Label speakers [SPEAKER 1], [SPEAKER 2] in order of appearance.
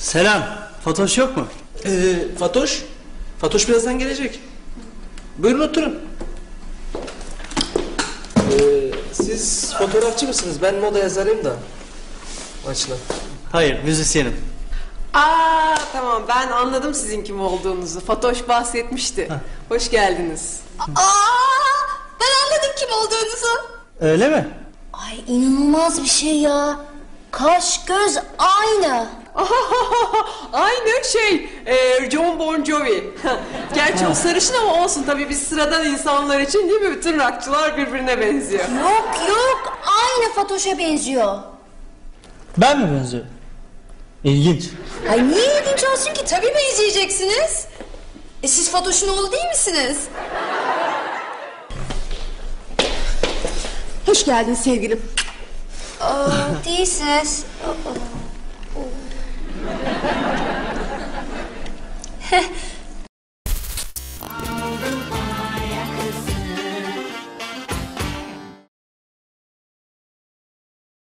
[SPEAKER 1] Selam. Fatoş yok mu?
[SPEAKER 2] Fatoş? Fatoş birazdan gelecek. Buyurun oturun. Siz fotoğrafçı mısınız? Ben moda yazarıyım da. Açla.
[SPEAKER 1] Hayır, müzisyenim.
[SPEAKER 3] Tamam, ben anladım sizin kim olduğunuzu. Fatoş bahsetmişti. Hoş geldiniz.
[SPEAKER 4] Ben anladım kim olduğunuzu.
[SPEAKER 1] Öyle mi?
[SPEAKER 4] Ay inanılmaz bir şey ya. Kaş göz aynı.
[SPEAKER 3] Aynı John Bon Jovi. Gerçi o sarışın ama olsun tabii, biz sıradan insanlar için değil mi? Bütün rockçılar birbirine benziyor.
[SPEAKER 4] Yok aynı Fatoş'a benziyor.
[SPEAKER 1] Ben mi benziyorum? İlginç.
[SPEAKER 4] Ay niye ilginç olsun ki? Tabii benzeyeceksiniz. Siz Fatoş'un oğlu değil misiniz?
[SPEAKER 3] Hoş geldin sevgilim.
[SPEAKER 4] Değilsiniz.